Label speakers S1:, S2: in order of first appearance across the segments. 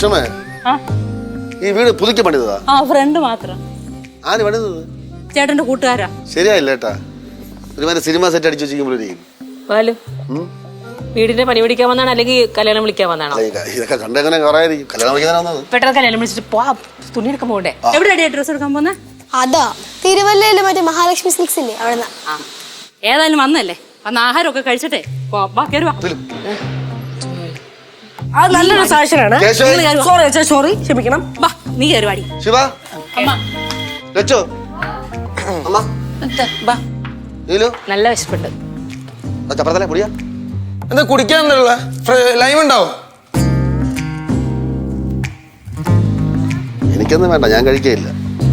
S1: സുഷമേ ഈ വീട് പുതുക്കി പണിതതാ?
S2: ഫ്രണ്ട് മാത്രം.
S1: ആര് പണിതത്?
S2: ചേട്ടന്റെ കൂട്ടുകാരാ.
S1: ശരിയായില്ല ഏട്ടാ, ഒരുമാതിരി സിനിമ സെറ്റ് അടിച്ചു വെച്ചിരിക്കുമ്പോഴേ.
S3: വീടിന്റെ പണി പിടിക്കാൻ വന്നാണ് അല്ലെങ്കിൽ കല്യാണം വിളിക്കാൻ വന്നാണോ?
S1: ഇതൊക്കെ കണ്ടെങ്ങനെ കുറയായിരിക്കും. കല്യാണം വിളിക്കാനാണ്
S3: പെട്ടെന്ന് കല്യാണം വിളിച്ചിട്ട് തുണി എടുക്കാൻ പോകണ്ടേ?
S2: എവിടെയാ ഡ്രസ് എടുക്കാൻ പോന്നെ?
S4: അതാ തിരുവല്ലയില് മറ്റേ മഹാലക്ഷ്മി സിൽക്സ് ഇല്ലേ അവിടെ.
S2: ഏതായാലും വന്നല്ലേ, വന്ന് ആഹാരമൊക്കെ കഴിച്ചിട്ടേ
S5: നല്ലൊരു സാക്ഷനാണ്. സോറി ക്ഷമിക്കണം.
S2: നീ കയറുവാടി.
S1: ശിവ ലച്ചോ
S3: നല്ല വിശപ്പുണ്ട്.
S1: ചപ്പറത്തല്ലേ പൊടിയാ?
S6: എന്താ കുടിക്കാനുള്ള ലൈം ഉണ്ടാവും?
S1: എനിക്കൊന്നും വേണ്ട, ഞാൻ കഴിക്കയില്ല.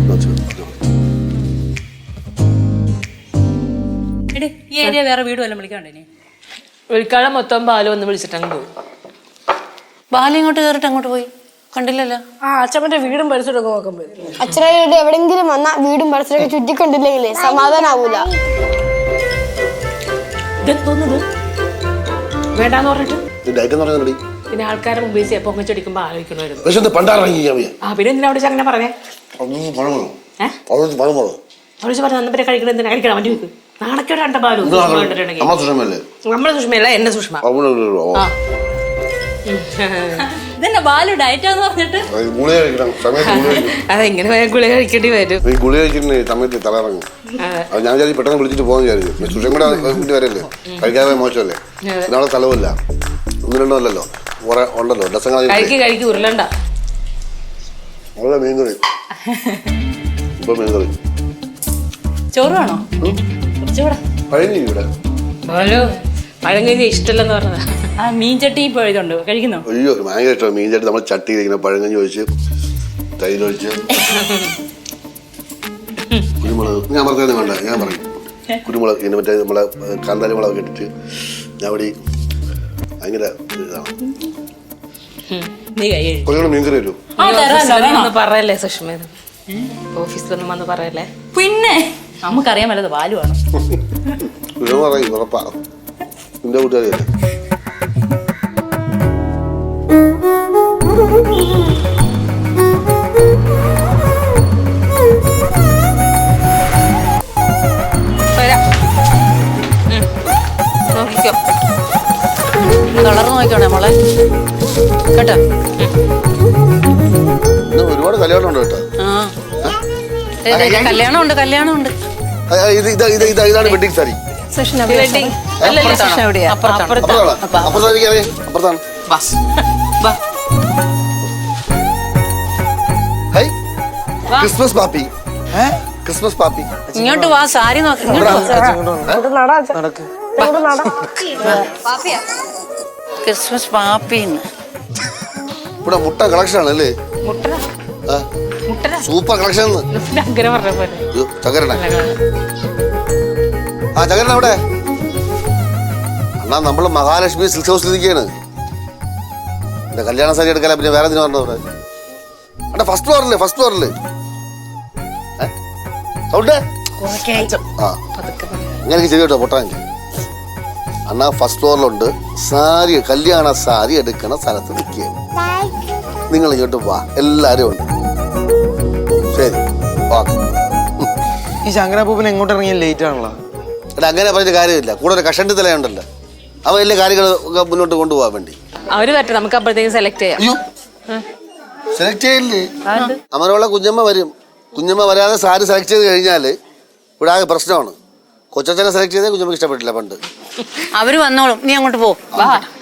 S2: ഈ ഏരിയ വേറെ വീട് വല്ലതും വിളിക്കാണ്ടേ?
S3: വിളിക്കാതെ മൊത്തം ബാലു ഒന്ന് വിളിച്ചിട്ടങ്ങ് പോയി.
S2: ബാലു ഇങ്ങോട്ട് കയറിട്ട് അങ്ങോട്ട് പോയി കണ്ടില്ലല്ലോ.
S5: അച്ഛമ്മന്റെ വീടും പരിസരമൊക്കെ നോക്കാൻ പോയി.
S4: അച്ഛനോട് എവിടെങ്കിലും വന്നാ വീടും പരിസരമൊക്കെ ചുറ്റിക്കൊണ്ടില്ലെങ്കിലേ സമാധാനാവൂല.
S3: വേണ്ടാന്ന് പറഞ്ഞിട്ട്
S1: പിന്നെ
S3: ആൾക്കാരെ മുമ്പിൽ പൊങ്ങച്ചടിക്കുമ്പോ ആലോചിക്കണമായിരുന്നു. പിന്നെ എന്തിനാ അവിടെ അങ്ങനെ പറഞ്ഞേ? അവര് പറഞ്ഞു അന്നപ്പോ കഴിക്കണം, എന്തിനാ കഴിക്കണം? അവന്റെ വീക്ക് നാണക്കേട് കണ്ട ബാലു. നമ്മളെ സുഷ്മയല്ല, എന്നെ സുഷ്മ.
S2: ഇതെന്നെ ബാലു ഡയറ്റാന്ന് പറഞ്ഞിട്ട്
S3: അതെങ്ങനെ ഗുളിക കഴിക്കേണ്ടി വരും.
S1: ഗുളിക കഴിക്കുന്ന സമയത്ത് തലയിറങ്ങും. ഞാൻ പെട്ടെന്ന് വിളിച്ചിട്ട് പോകാൻ വിചാരിച്ചു. സുഷം കൂടെ വീട്ടിൽ വരല്ലേ, കഴിക്കാതെ മോശമല്ലേ? നാളെ സ്ഥലമില്ല, ഒന്ന് രണ്ടോ അല്ലല്ലോ, കുറെ ഉണ്ടല്ലോ ഡസങ്ങൾ.
S3: കഴിക്ക് ഉരുളണ്ട.
S1: മീൻകറി ഇപ്പൊ മീൻകറി
S2: ചോറ് വേണോ?
S1: പഴഞ്ഞി ഇവിടെ
S3: പഴം കഴിഞ്ഞ ഇഷ്ടമല്ലെന്ന് പറഞ്ഞതാ.
S2: മീൻ ചട്ടി ഇപ്പൊ ഇതുണ്ട്, കഴിക്കുന്നോ?
S1: അയ്യോ ഭയങ്കര ഇഷ്ടമാണ് മീൻ ചട്ടി. നമ്മൾ ചട്ടി ഇരിക്കുന്ന പഴങ്കഞ്ഞി ഒഴിച്ച് തൈരൊഴിച്ച് കുരുമുളക്. ഞാൻ പറഞ്ഞത് വേണ്ട, ഞാൻ പറയും കുരുമുളക് ഇങ്ങനെ മറ്റേ നമ്മളെ കാന്താരി മുളക് ഇട്ടിട്ട് ഞാൻ ഇവിടെ ഭയങ്കര ഇതാണ്. കുറച്ചുകൂടെ മീൻകറി വരും.
S3: പറയല്ലേ സുഷ്മ, ഓഫീസിലൊന്നും വന്ന് പറയല്ലേ.
S2: പിന്നെ നമുക്കറിയാൻ വല്ലത് ബാലുവാണ്.
S1: പറയും ഉറപ്പാ, നിന്റെ കൂട്ടുകാരിയല്ലേ.
S2: നോക്കിക്കോ, കളർ നോക്കിക്കോണേ മോളെ കേട്ടോ.
S1: ഒരുപാട് കല്യാണം ഉണ്ട് കേട്ടോ.
S2: കല്യാണം ഉണ്ട്.
S1: ഇതാണ് വെഡിങ് സാരി. ക്രിസ്മസ് പാപ്പി, ക്രിസ്മസ് പാപ്പി
S2: ഇങ്ങോട്ട് വാ, സാരി നോക്കി. ക്രിസ്മസ് പാപ്പിന്ന്
S1: ഇവിടെ മുട്ട കളക്ഷൻ ആണല്ലേ? Super collection. ചകരണ ചകരണ അവിടെ അണ്ണാ, നമ്മള് മഹാലക്ഷ്മി സിൽക്ക് ഹൗസിൽ ഇരിക്കുകയാണ്. എന്റെ കല്യാണ സാരി എടുക്കാൻ പിന്നെ വേറെ എന്തിനാ പറഞ്ഞത്? അവിടെ അവിടെ ഫസ്റ്റ് ഫ്ലോറില് സൗണ്ട് ഇങ്ങനെ ചെവി കേട്ടോ പൊട്ടാൻ. അണ്ണാ ഫസ്റ്റ് ഫ്ലോറിലുണ്ട്. സാരി, കല്യാണ സാരി എടുക്കണ സ്ഥലത്ത് നിൽക്കുകയാണ്. നിങ്ങൾ ഇങ്ങോട്ട് വാ, എല്ലാരും ഉണ്ട്. ശരി,
S6: ഈ ശങ്കരപ്പൂപ്പൻ എങ്ങോട്ട് ഇറങ്ങിയ ലേറ്റ് ആണല്ലോ.
S1: എടാ അങ്ങനെ പറഞ്ഞ കാര്യമില്ല, കൂടെ ഒരു കഷണ്ടി തലയുണ്ടല്ലോ, അവ എല്ലാ കാര്യങ്ങൾ മുന്നോട്ട് കൊണ്ടുപോകാൻ വേണ്ടി.
S3: അവര് പറ്റും, നമുക്ക് അപ്പോഴത്തേക്ക് സെലക്ട് ചെയ്യാം.
S1: സെലക്ട് ചെയ്യില്ലേ? അമരമുള്ള കുഞ്ഞമ്മ വരും. കുഞ്ഞമ്മ വരാതെ സാരി സെലക്ട് ചെയ്ത് കഴിഞ്ഞാല് ഇവിടെ ആകെ പ്രശ്നമാണ്. കൊച്ചച്ഛനെ സെലക്ട് ചെയ്തേ കുഞ്ഞമ്മക്ക് ഇഷ്ടപ്പെട്ടില്ല പണ്ട്.
S2: അവര് വന്നോളും, നീ അങ്ങോട്ട് പോ.